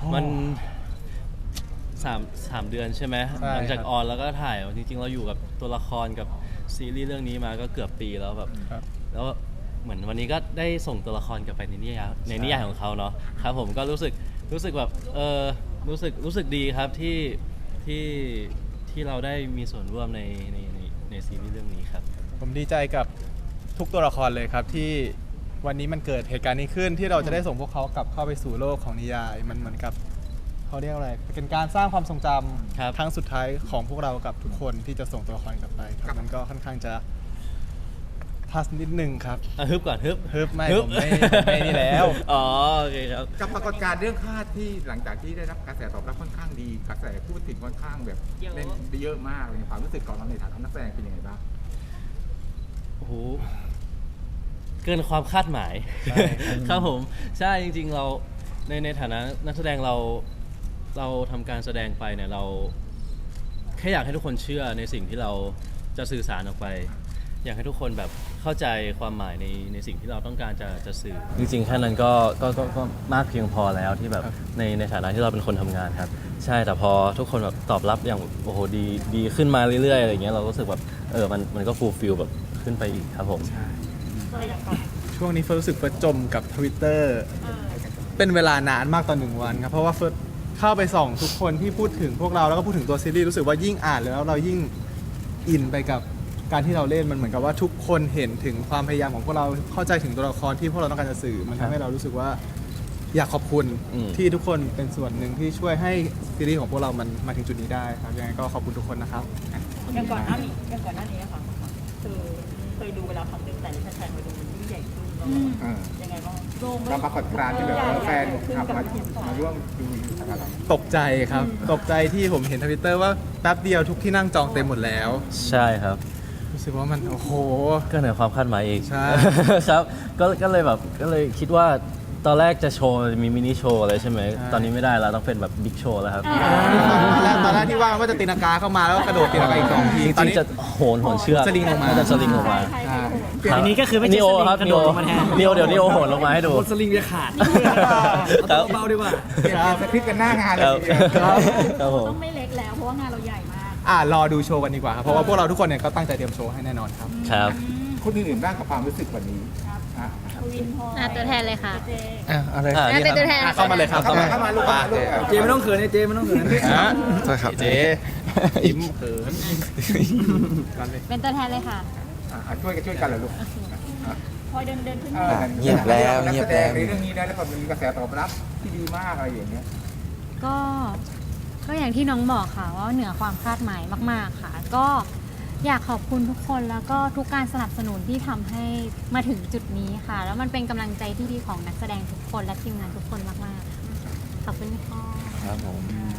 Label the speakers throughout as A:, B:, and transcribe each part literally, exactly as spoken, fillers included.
A: มันสามสามเดือนใช่ไหมหลังจากออนแล้วก็ถ่ายจริงๆเราอยู่กับตัวละครกับซีรีส์เรื่องนี้มาก็เกือบปีแล้วแบบแล้วเหมือนวันนี้ก็ได้ส่งตัวละครกลับไปในนิยายในนิยายของเขาเนาะครับผมก็รู้สึกรู้สึกแบบเออรู้สึกรู้สึกดีครับที่ที่ที่เราได้มีส่วนร่วมในในในในซีรีส์เรื่องนี้ครับ
B: ผมดีใจกับทุกตัวละครเลยครับที่วันนี้มันเกิดเหตุการณ์นี้ขึ้นที่เราจะได้ส่งพวกเขากลับเข้าไปสู่โลกของนิยายมันเหมือนกับเขาเรียกอะไรเป็นการสร้างความทรงจำครั้งสุดท้ายของพวกเรากับทุกคนที่จะส่งตัวละครกลับไปครับมันก็ค่อนข้างจะทัสนิดนึงครับ
A: ฮึบก่อนฮึบ
B: ฮึบไม่ผมไม่ผมไม่นี่แล้ว
A: อ๋อโอเคครับ
C: กับปรากฏการณ์เรื่องคาดที่หลังจากที่ได้รับกระแสตอบรับค่อนข้างดีกระแสพูดถึงค่อนข้างแบบเล่นเยอะมากเลยความรู้สึกของเราในฐานะนักแสดงเป็นยังไงบ้าง
A: โอ้โหเกินความคาดหมายครับผมใช่จริงๆเราในในฐานะนักแสดงเราเราทำการแสดงไปเนี่ยเราแค่อยากให้ทุกคนเชื่อในสิ่งที่เราจะสื่อสารออกไปอยากให้ทุกคนแบบเข้าใจความหมายในในสิ่งที่เราต้องการจะจะสื่อจริงๆแค่นั้นก็ก็ก็ก็มากเพียงพอแล้วที่แบบในในฐานะที่เราเป็นคนทำงานครับใช่แต่พอทุกคนแบบตอบรับอย่างโอ้โหดีดีขึ้นมาเรื่อยๆอะไรเงี้ยเรารู้สึกแบบเออมันมันก็ฟูลฟิลแบบขึ้นไปอีกครับผม
B: ช่วงนี้เฟิร์สรู้สึกเฟิร์สจมกับ Twitter เป็นเวลานานมากต่อหนึ่งวันครับเพราะว่าเฟิร์สเข้าไปส่องทุกคนที่พูดถึงพวกเราแล้วก็พูดถึงตัวซีรีส์รู้สึกว่ายิ่งอ่านแล้วเรายิ่งอินไปกับการที่เราเล่นมันเหมือนกับว่าทุกคนเห็นถึงความพยายามของพวกเราเข้าใจถึงตัวละครที่พวกเราต้องการจะสื่อมันทำให้เรารู้สึกว่าอยากขอบคุณที่ทุกคนเป็นส่วนหนึ่งที่ช่วยให้ซีรีส์ของพวกเรามันมาถึงจุดนี้ได้ครับยังไงก็ขอบคุณทุกคนนะครับ
D: อย่างก่อนหน้านี้อย่างก่อนหน้านี้ค่ะคือเคยดูเวลาครั้งหนึ่งแต่นี่แฟนๆมาดูมันยิ่งใหญ่ขึ้นยังไงบ้าง
C: กับปรากฏการณ์ที่แบบแฟนทำมามาร่วมดูอะไร
B: ตกใจครับตกใจที่ผมเห็นทวิตเตอร์ว่าแป๊บเดียวทุกที่นั่งจองเต็มหมดแล้ว
A: ใช่ครับ
B: รู้สึกว่ามันโอ้โห
A: ก็เหนือความคาดหมายอีก
B: ใช่
A: ครับก็ก็เลยแบบก็เลยคิดว่าตอนแรกจะโชว์มีมินิโชว์อะไรใช่ไหมตอนนี้ไม่ได้แล้วต้องเป็นแบบบิ๊กโชว์แล้วครับ
B: ตอนแรกตอนแรกที่ว่าว่าจะตีนากาเข้ามาแล้วก็กระโดดตีนากาอีกสองที
A: ตอนนี้จะโหนโหนเชือก
B: สลิงลงมา
A: จะสลิงลงมา
E: อันนี้ก็คือไม่ใช่สลิงกระโดดลงมาแทน
A: นิโอเดี๋ยวนิโอโหนลงมาให้ดู
E: สลิงจะขาดเบาๆดีกว่า
C: สคริปต์กันหน้างานเลย
A: ครับผม
D: ต้องไม่เล็กแล้วเพราะว่างานเราใหญ่มาก
B: อ่ารอดูโชว์กันดีกว่าครับเพราะว่าพวกเราทุกคนเนี่ยก็ตั้งใจเตรียมโชว์ให้แน่นอนครับ
A: ครับ
C: คนอื่นๆบ้างกับความรู้สึกวันนี้
F: ตัวแทนเลยค่ะ
B: อ่ะอะไร
F: เป็นตัวแทน
B: เข้ามาเลยครับ
C: เข้ามาเข้ามาลูกมาลูก
E: เจไม่ต้องเขินเจไม่ต้องเขิน
B: ใช่ครับเจอิ่มเขิน
F: เป็นตัวแทนเลยค่ะ
C: ช่วยกันช่วยกันเหรอลูก
D: พอเดินเดินขึ้น
G: เงียบแล้วเงียบแล้ว
C: ในเรื่องนี้ได้แล้วก็มีกระแสตอบรับที่ดีมากอะไรอย่างเงี้ย
F: ก็ก็อย่างที่น้องบอกค่ะว่าเหนือความคาดหมายมากๆค่ะก็อยากขอบคุณทุกคนแล้วก็ทุกการสนับสนุนที่ทำให้มาถึงจุดนี้ค่ะแล้วมันเป็นกำลังใจที่ดีของนักแสดงทุกคนและทีมงานทุกคนมากๆขอบคุณค่ะ
G: ครับผม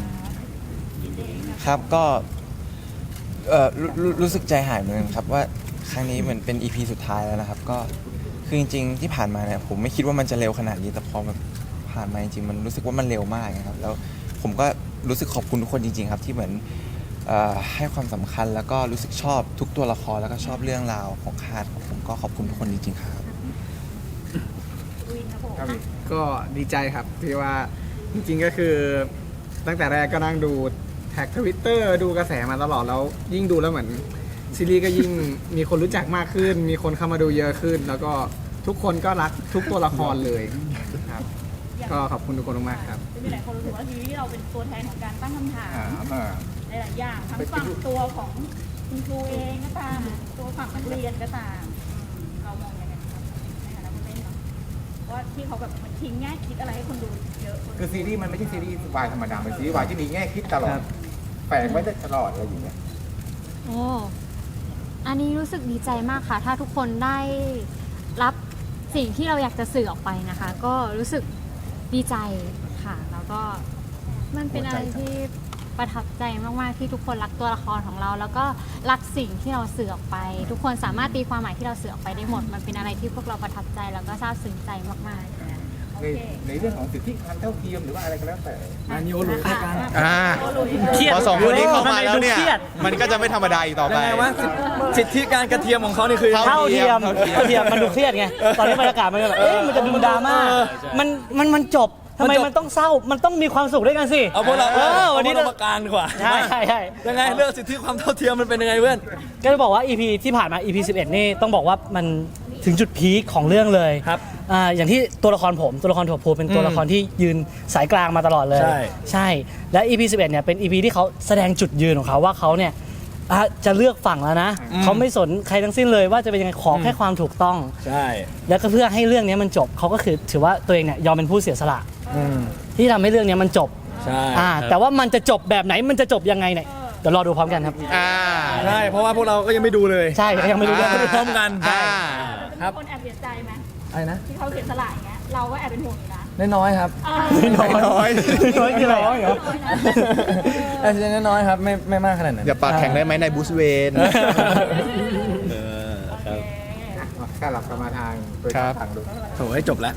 G: ครับก็เอ่อรู้รู้สึกใจหายเหมือนกันครับว่าครั้งนี้เหมือนเป็น อี พี สุดท้ายแล้วนะครับก็คือจริงๆที่ผ่านมาเนี่ยผมไม่คิดว่ามันจะเร็วขนาดนี้แต่พอมันผ่านมาจริงๆมันรู้สึกว่ามันเร็วมากนะครับแล้วผมก็รู้สึกขอบคุณทุกคนจริงๆครับที่เหมือนให้ความสำคัญแล้วก็รู้สึกชอบทุกตัวละครแล้วก็ชอบเรื่องราวของคาดผมก็ขอบคุณทุกคนจริงๆครับ
B: ก็ดีใจครับที่ว่าจริงๆก็คือตั้งแต่แรกก็นั่งดูแท็กทวิตเตอร์ดูกระแสมาตลอดแล้วยิ่งดูแล้วเหมือนซีรีส์ก็ยิ่งมีคนรู้จักมากขึ้นมีคนเข้ามาดูเยอะขึ้นแล้วก็ทุกคนก็รักทุกตัวละครเลยครับก็ขอบคุณทุกคนมากครับ
D: มีหลายคนรู้สึกว่าซีรีส์เราเป็นตัวแทนของการตั้งคำถามหลายอย่างทั้งฝั่งตัวของคุณครูเองก็ตามตัวฝั่งนักเรียนก็ตามเรามองยังไงครับในฐานะผู้เล่นเนาะว่าที่เขาแบบมันทิ้งแง่คิดอะไรให้คนดูเยอะ
C: คือซีรีส์มันไม่ใช่ซีรีส์วายธรรมดาเป็นซีรีส์วายที่มีแง่คิดตลอดแฝงไว้ตลอดอะไรอย่างเงี้ย
F: โอ้อันนี้รู้สึกดีใจมากค่ะถ้าทุกคนได้รับสิ่งที่เราอยากจะสื่อออกไปนะคะก็รู้สึกดีใจค่ะแล้วก็มันเป็นอะไรที่ประทับใจมากๆที่ทุกคนรักตัวละครของเราแล้วก็รักสิ่งที่เราสื่อออกไปทุกคนสามารถตีความหมายที่เราสื่อออกไปได้หมดมันเป็นอะไรที่พวกเราประทับใจแล้วก็ซาบซึ้งใจมากๆ
C: ในในเรื่องของสิทธิการเท่าเทียมหรือว่าอะไรก็แล้วแต่
E: อันนี้โอลุยกัน
B: อ่าพอสองคนนี้เข้ามาแล้วเนี่ยมันก็จะไม่ธรรมดาอีกต่อไป
E: ว่าสิทธิการกระเทียมของเขานี่คือ
B: เท่าเทียม
E: เท่าเทียมมันดูเครียดไงตอนนี้บรรยากาศมันแบบเอ๊ะมันจะดูดราม่ามันมันมันจบ
H: ทำไมมันต้องเศร้ามันต้องมีความสุขด้วยกันสิ
E: เอาพวกเรา
H: เออวันนี้
E: เอาพวกเรามากลางดีกว่า
H: ใช่ใช่ใช่
E: ยังไงเรื่องสิทธิความเท่าเทียมมันเป็นยังไงเพื่อน
H: ก็จะบอกว่า อี พี ที่ผ่านมา อี พี สิบเอ็ดนี่ต้องบอกว่ามันถึงจุดพีคของเรื่องเลย
E: ครับ
H: อ่าอย่างที่ตัวละครผมตัวละครถั่วพูเป็นตัวละครที่ยืนสายกลางมาตลอดเลย
E: ใช่
H: ใช่และ อี พี สิบเอ็ดเนี่ยเป็น อี พี ที่เขาแสดงจุดยืนของเขาว่าเขาเนี่ยอ่ะจะเลือกฝั่งแล้วนะเขาไม่สนใครทั้งสิ้นเลยว่าจะเป็นยังไงขอแค่ความถูกต้อง
E: ใช่
H: แล้วก็เพื่อให้เรื่องนี้มันจบเขาก็คือถือว่าตัวเองเนี่ยยอมเป็นผู้เสียสละที่ทำให้เรื่องนี้มันจบ
E: ใช่
H: อ่าแต่ว่ามันจะจบแบบไหนมันจะจบยังไงเนี่ยเดี๋ยวรอดูพร้อมกันครับ
B: อ่า
E: ใช่เพราะว่าพวกเราก็ยังไม่ดูเลย
H: ใช่ยังไม่รู้เรื่อง
E: ไม่ดูพร้อมกัน
B: อ่า
E: ครับ
D: คนแอบเสียใจไหม
E: อะไรนะ
D: ที่เขาเสียสละอย่างเงี้ยเราก็แอบเป็นห่วงอยู่นะ
E: น้อยๆครับ
D: อ่า
B: น้อยน้อย
H: น้อยคืออะไร
E: น้อยเหรออาจจะน้อยๆครับไม่ไม่มากขนาดนั้น
B: อย่าปากแข็งได้ไหมในบูสเวน
C: ก็หลับกลับมาทางโดย
B: ครับ
C: ทางดู
E: โถ่ให้จบแล้ว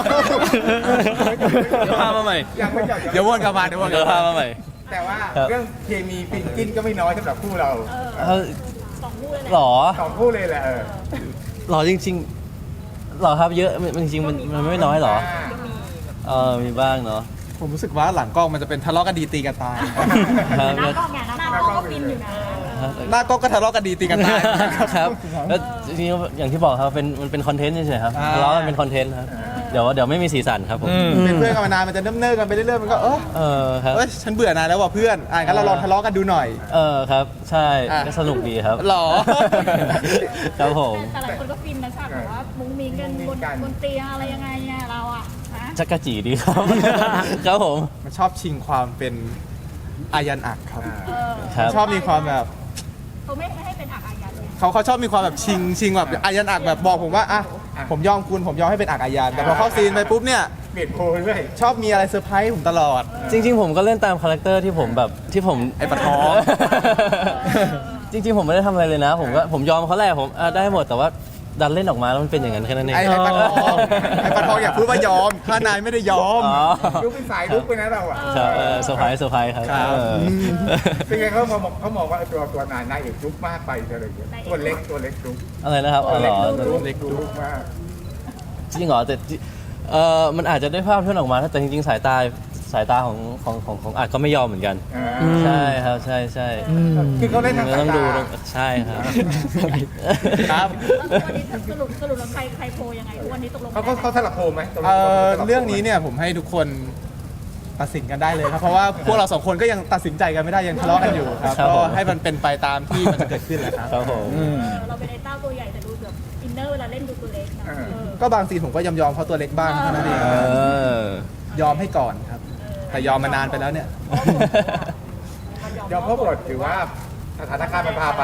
A: เดี๋ยวพามาใหม่
C: ยังไม่จบ
B: เดี๋ยววนกลับมาเดี๋ยววนก
A: เดี๋
B: ลั
A: ยว
B: บ
A: พา
B: มา
A: มาใหม่
C: แต่ว่า
A: ครับ
C: เรื่องเคมีฟินกินก็ไม่น้อยสำหรับคู่เรา
A: เอ้า
D: สองคู่เลยแหละ
A: หรอ
C: สองคู่เลยแหละเออ
A: หรอจริงๆหรอครับเยอะมันจริงๆมันมันไม่น้อยหรอเออมีบ้างเนาะ
B: ผมรู้สึกว่าหลังกล้องมันจะเป็นทะเลาะกันดีตีกันตาย
A: ครับ
D: หน้ากล้องไงหน้ากล้องก็ฟินอยู่นะ
B: หน้ากล้องก็ทะเลาะกันดีตีกันตาย
A: ครับแล้วจริงๆอย่างที่บอกครับเป็นมันเป็นคอนเทนต์เฉยๆครับ
B: อ่า
A: ทะเลาะกันเป็นคอนเทนต์ครับเดี๋ยวเดี๋ยวไม่มีสีสันครับผม
B: เป็นเพื่อนกันมานานมันจะเนิ่มๆกันไปเรื่อยๆมันก็เออ
A: เออครับ
B: เอ้ยฉันเบื่อนายแล้วว่ะเพื่อนอ่ะงั้นเราลองทะเลาะกันดูหน่อย
A: เออครับใช่
B: อ่ะ
A: ก็สนุกดีครับ
B: หรอ
A: ครับผม
D: แต่หลายคนก็ฟินนะฉากแบบว่ามุ้งมิ้งกันบนบนเตียงอะไรยังไงเนี่ยเราอ่ะฮะ
A: จักรจีดีครับ ครับผม
B: มันชอบชิงความเป็นอายันอักครับ
D: เออ
A: ครับ
B: ชอบมีความแบบ
D: เขาไม่ไม่ให้เป็นอักอายันเลย
B: เขาเขาชอบมีความแบบชิงชิงแบบอายันอักแบบบอกผมว่าอ่ะผมยอมคุณผมยอมให้เป็นอักอายันแต่พอเข้าซีนไปปุ๊บเนี่ย
C: เปลี่ยนโพลเรื่อย
B: ชอบมีอะไรเซอร์ไพรส์ผมตลอด
A: จริงๆ ผมก็เล่นตามคาแรคเตอร์ที่ผมแบบที่ผม
B: ไอ้ปะท้อง
A: จริงๆ ผมไม่ได้ทำอะไรเลยนะ ผมก็ผมยอมเขาแหละผมอ่ะได้หมดแต่ว่าดันเล่นออกมาแล้วมันเป็นอย่างนั้นแค่นั้นเอง
B: ไอ้ไอ้ปะทองไอ้ปะทองอย่าพูดว่ายอมถ้านายไม่ได้ยอม
A: อ๋อ
C: ๆลุกเป็นสายลุกไปนะเราอ่ะ
A: ครับเออเซอร์ไพรส์เซอร์ไพรส์ครับ
B: ครับ
A: เออ
C: เป็นไงเขามองเขามองว่าตัวตัวนายนายเอกลุกมากไปอะไรอย่างเงี้ยตัวเล็กตัวเล็กลุก
A: อะไรนะครับอ๋
C: ตั
A: อ
C: ว
A: เหร
C: เล็ก
A: อ
C: ลุกเล็กลุกมาก
A: จริงเหรอแต่เออมันอาจจะได้ภาพที่ออกมาแต่จริงๆ สายตาสายตาของของของของอาจก็ไม่ยอมเหมือนกัน ใช่ครับใช่ใช่
C: คือเขาเล่นทางสาย
A: ต้องดู
C: ตา
A: ใช่ครับ
B: ครับ
D: แล้ววันนี้สรุปสรุปแล้วใครใครโพลยังไงทุกวันนี้ตกลง
C: เขาเขาเขาสลับโพลไหมตกลง
B: เอ่อ
C: ขาสลับโพลไหม
B: เรื่องนี้เนี่ยผมให้ทุกคนตัดสินกันได้เลยครับ เพราะว่าพวกเราสองคนก็ยังตัดสินใจกันไม่ได้ยังทะเลาะกันอยู่ครับ
A: ครับ
B: ก็
A: ผม
B: ให้มันเป็นไปตามที่มันจะเกิดขึ้นแหละครับ
A: ครับผม
D: เราเป็นไอ้เต้าตัวใหญ่แต่ดูแบบอินเนอร์เวลาเล่นดูตัวเล็กนะเออ
B: ก็บางซีนผมก็ยอมยอมๆเพราะตัวเล็กบ้างเท่านั้นเอง
A: เออ
B: ยอมให้ก่อนครับ แต่ยอมมานานไปแล้วเนี่ย
C: ยอมเพราะบทหรือว่าสถานการณ์มันพาไป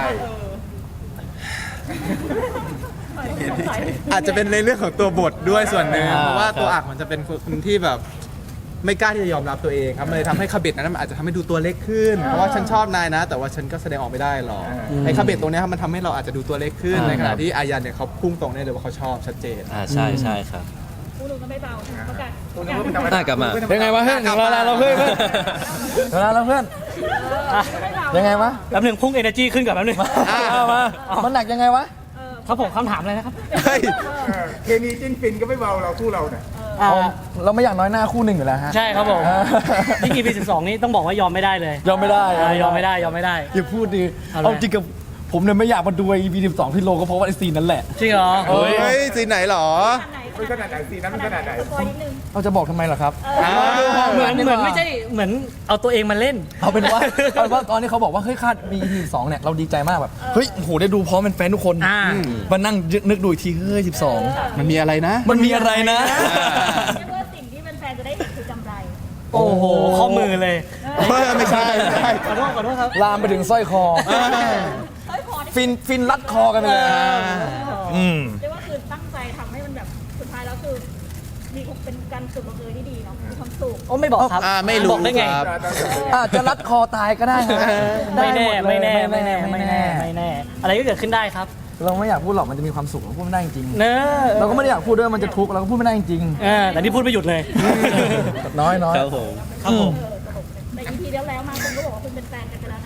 B: อาจจะเป็นในเรื่องของตัวบทด้วยส่วนหนึ่ง
A: อ่า
B: เพราะว่า
A: ครับ
B: ตัวอักมันจะเป็นคนที่แบบไม่กล้าที่จะยอมรับตัวเองครับมันเลยทำให้คาเบตนั้นมันอาจจะทำให้ดูตัวเล็กขึ้น เพราะว่าฉันชอบนายนะ แต่ว่าฉันก็แสดงออกไม่ได้หรอก
C: อืม
B: ไอ้คาเบตตรงเนี้ยครับมันทำให้เราอาจจะดูตัวเล็กขึ้น
A: อ่า
B: ในขณะที่อายันเนี่ยเขาพุ่งตรงได้เลยว่าเขาชอบชัดเจน
A: อ่าใช่ใช่ครับ
D: คู่นึงก็ไม่เบาประกาศ
C: คุณ
D: ประ
C: นึ
D: กาก ศ
C: ว่าเป็นธรรมดา
A: น่ากลับมา
E: เป็นไงวะเพื่อนถึงเวลาเราเพื่อนเพื่อนเวลาเราเพื่อน
D: ไม่เบา
E: ยังไงวะ
H: แป๊บหนึ่งพุ่ง energy ขึ้นกับแป๊บหนึ่ง
E: เอามามันหนักยังไงวะ
H: ครับผมคำถามเลยนะครับ
B: เฮ้ย
C: เออเคมีจิ้นฟินก็ไม่เบาเราคู่เราเนี่ย
H: อ่า
E: เราไม่อยากน้อยหน้าคู่หนึ่งอยู่แล้วฮะ
H: ใช่ครับผม
E: อ่า
H: ที่ อี พี สิบสองนี้ต้องบอกว่ายอมไม่ได้เลย
E: ยอมไม่ได้
H: อ่ายอมไม่ได้ยอมไม่ได้
E: อย่าพูดดิ
H: เอาเลย
E: เอาจริงกับผมเนี่ยไม่อยากมาดู อี พี สิบสองที่โลก็เพราะว่าไอซีนนั้นแหละ
H: จริงเหรอ
B: เฮ้ยซีนไหนหรอ
C: มันขนาดไหนซีนนั้นมันขนาดไหน
D: สปอยนิดนึง
E: เราจะบอกทำไมล่ะครับ
B: อ่า
H: เหมือนเหมือนไม่ใช่เหมือนเอาตัวเองมาเล่น
E: เอาเป็นว่า เอาเป็นว่าตอนนี้เขาบอกว่าเฮ้ยคาดมี อี พี สิบสองเนี่ยเราดีใจมากแบบเฮ้ยโอ้โหได้ดูพร้อมเป็นแฟนทุกคน
H: อ่า
E: มานั่งนึกดูอีกทีเฮ้ยสิบสอง
B: มันมีอะไรนะ
E: มันมีอะไรนะ
D: เรียกว่าสิ่งที่แฟนๆจะได้เห็นคือกำไร
H: โอ้โหข้อมือเลย
B: เฮ้ยไม่ใช่ไม่ใช่
H: ขอโทษขอโทษครับ
E: ลามไปถึงสร้อยคอ
D: เฮ้ยพอที่
E: ฟินฟินรัดคอกันไปเลย อืม
D: เรียกว่าคือตั้งใจทำให้มันแบบสุดท้ายแล้วคือมีเป็นการสุดลงเอยที่ดีเนาะมีความสุข
H: โอ้ไม่บอกครับ
B: อ่าไม่รู้
H: บอกได้ไง
B: ครับ
E: อาจจะรัดคอตายก็ได้ฮะ
H: ไม่แน่
E: ด้หดเลย
H: ไม่แน่ไม่แน่ไม่
E: ไม่
H: แน่
E: แน่
H: ไม่แน่ อะไรก็เกิดขึ้นได้ครับ
E: เราไม่อยากพูดหรอกมันจะมีความสุขเราพูดไม่ได้จริง
H: เนอะ
E: เราก็ไม่ได้อยากพูดด้วยมันจะทุกข์เราก็พูดไม่ได้จริง
H: เออแต่นี่พูดไม่หยุดเลย
E: น้อยน้อย
A: ครับผม
H: ครับผม
D: แต่ อี พี แล้วแล้วมาคนก็บอกว่าคุณเป็นแฟนกันไปแล้วนะ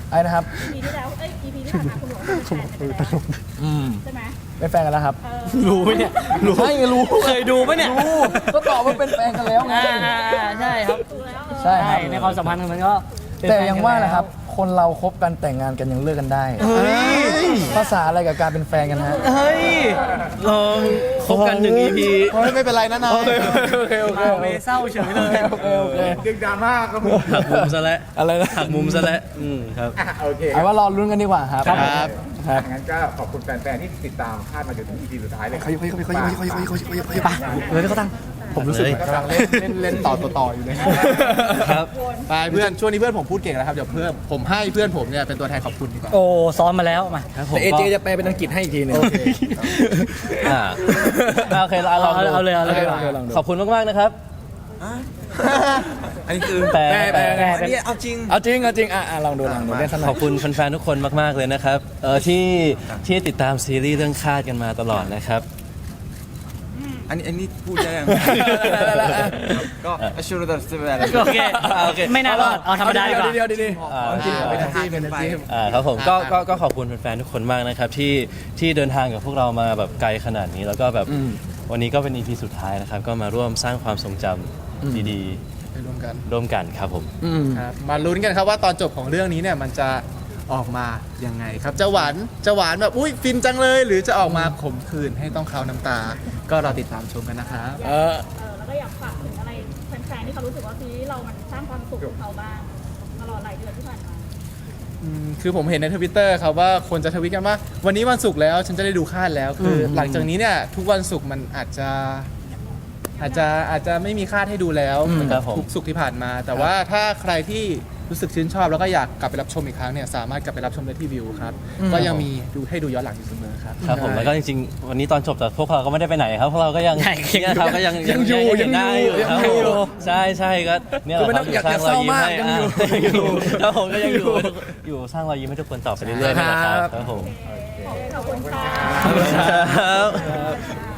E: ไอ้นะครับ
D: อีพีที่แล้วเอ้ยอีพีที่ผ่านมาคุณบอกว่าเป็นแฟนกันไปแล้ว
E: อืม
D: ใช่ไหม
E: เป็นแฟนกันแล้วครับ
D: เออ
A: รู้ไหมเนี่ยรู้
E: ใช่ไงรู้
A: เคยดูไหมเนี่ย
E: รู้ก็ตอบว่าเป็นแฟนกันแล้วไง
H: อ่าใช่ครับ
D: ดูแล้วเออ
E: ใช่ครับ
H: ในความสัมพันธ์มันก็เป็น
E: แต่
H: ฟน
E: ยัง
H: กัน
E: ว่า
H: ล้
E: นะครับ คนเราคบกันแต่งงานกันยังเลิกกันได้
A: เฮ้ย
E: ภาษาอะไรกับการเป็นแฟนกันฮะ
A: เฮ้ยลองคบกันหนึ่ง อี พี
B: โอ้ยไม่เป็นไรนะนาย
E: โอเคโอเคโอเค
H: เอาไปเศร้าเฉยเลย
E: โอเคโอเค
C: ดึงดราม่าก็มี
A: หักมุมซะแล้ว
E: อะไรนะ
A: หักมุมซะแล้วอืมครับ
C: อ่ะโอเค
E: เอาว่ารอลุ้นกันดีกว่าครับ
B: ครับ
E: ครับ
C: งั้นก็ขอบคุณแฟนๆที่ติดตามคาดมาจนถึง อี พี สุดท้ายเลย
E: เขาอยู่เขาอยู่เขาอยู่เขาอยู่เขาอยู่เขาอยู่เขาอยู่เขาอยู่
H: ไปเลยเขาตั้ง
B: ผมรู้สึกเหมือนกำลังเล่นเล่นเล่นต่อต่อต่ออยู่เลย
A: ครับ
B: ไปเพื่อนช่วงนี้เพื่อนผมพูดเก่งแล้วครับเดี๋ยวเพื่อนผมให้เพื่อนผมเนี่ยเป็นตัวแทนขอบคุณดีกว่า
H: โอ้ซ้อมมาแล้วมา
A: ครับผม
E: แต่เอ
A: ก็
E: เจจะแปลเป็นอังกฤษให้อีกทีหนึง
B: โอเค
A: อ่าโอเคเราลองดู
H: เอาเลยเอาเลย
E: ลองดูลองดู
A: ขอบคุณมากๆนะครับ
G: อันนี้คือ
A: แปล
E: แปลแปล
G: อันนี้เอาจริง
E: เอาจริงเอาจริงอ่ะอ่ะลองดูลองดูเล่นสนุ
A: ขอบคุณแฟนๆทุกคนมากๆเลยนะครับเออที่ที่ติดตามซีรีส์เรื่องคาดกันมาตลอดนะครับ
G: อันนี้อันนี้พูดได้ยัง
E: ได้แล้วอ่ะ
G: ก็อชูรดัสเซเว่น
H: โอเค
A: อ่าโอเค
H: ไม่น่ารอดเอาธรรมดาดีกว่า
E: เดียวดีๆดี
A: อ่า
E: ๆจริง
B: เป็นอาชีพเป็นอาชีพ
A: อ่าครับผมก็ก็ก็ขอบคุณแฟนๆทุกคนมากนะครับที่ที่เดินทางกับพวกเรามาแบบไกลขนาดนี้ แล้วก็แบบวันนี้ก็เป็น อี พี สุดท้ายนะครับก็มาร่วมสร้างความทรงจำดี
B: ไปรวมกัน
A: ๆ ร่วมกันครับผม
E: อืม
B: ครับมาลุ้นกันครับว่าตอนจบของเรื่องนี้เนี่ยมันจะออกมายังไงครับจะหวานจะหวานแบบอุ้ยฟินจังเลย หรือจะออกมาขมขื่นให้ต้องเคล้าน้ำตา ก็รอติดตามชมกันนะครับ
E: เออ
D: เออแล้วก็อยากฝากถึงอะไรแฟนๆที่เขารู้สึกว่าซีรีส์เรามันสร้างความสุขกับเขาบ้างตลอดหลายเดือนที่ผ่านมา
B: อืมคือผมเห็นในทวิตเตอร์ครับว่าคนจะทวิตกันว่า วันนี้วันศุกร์แล้วฉันจะได้ดูคาดแล้ว คืออหลังจากนี้เนี่ยทุกวันศุกร์มันอาจจะอาจจะอาจจะไม่มีคาดให้ดูแล้ว
E: อืม
B: เหมือนกับ
A: ครับผม
B: ทุกศุกร์ที่ผ่านมา แต่ว่าถ้าใครที่รู้สึกชื่นชอบแล้วก็อยากกลับไปรับชมอีกครั้งเนี่ยสามารถกลับไปรับชมได้ที่วิวครับก็ยังมีดูให้ดูย้อนหลังอยู่เสมอครับ
A: ครับผมแล้วก็จริงๆ วันนี้ตอนจบแต่พวกเราก็ไม่ได้ไปไหนครับพวกเราก็ยัง
H: ใช่
A: เนี่ยครับก็ยัง
E: ยังอยู่
A: เห็นหน้าอยู่
E: ยัง
A: ครับ
E: อยู่
A: ผมใช่ใช่ก็เนี่ยแห
E: คือ
A: ละ
E: ไม่
A: ค
E: ต้
A: รั
E: อบ งอยากจะเศร้ามากยังอยู่
A: อ่ายังอยู่ครับผมก็ยังอยู่
E: ยังอยู่
A: อยู่สร้างรอยยิ้มให้ทุกคนต่อไปเรื่อยๆนี่แหละครับครับผม
D: ขอบคุณค่ะ
A: ครับ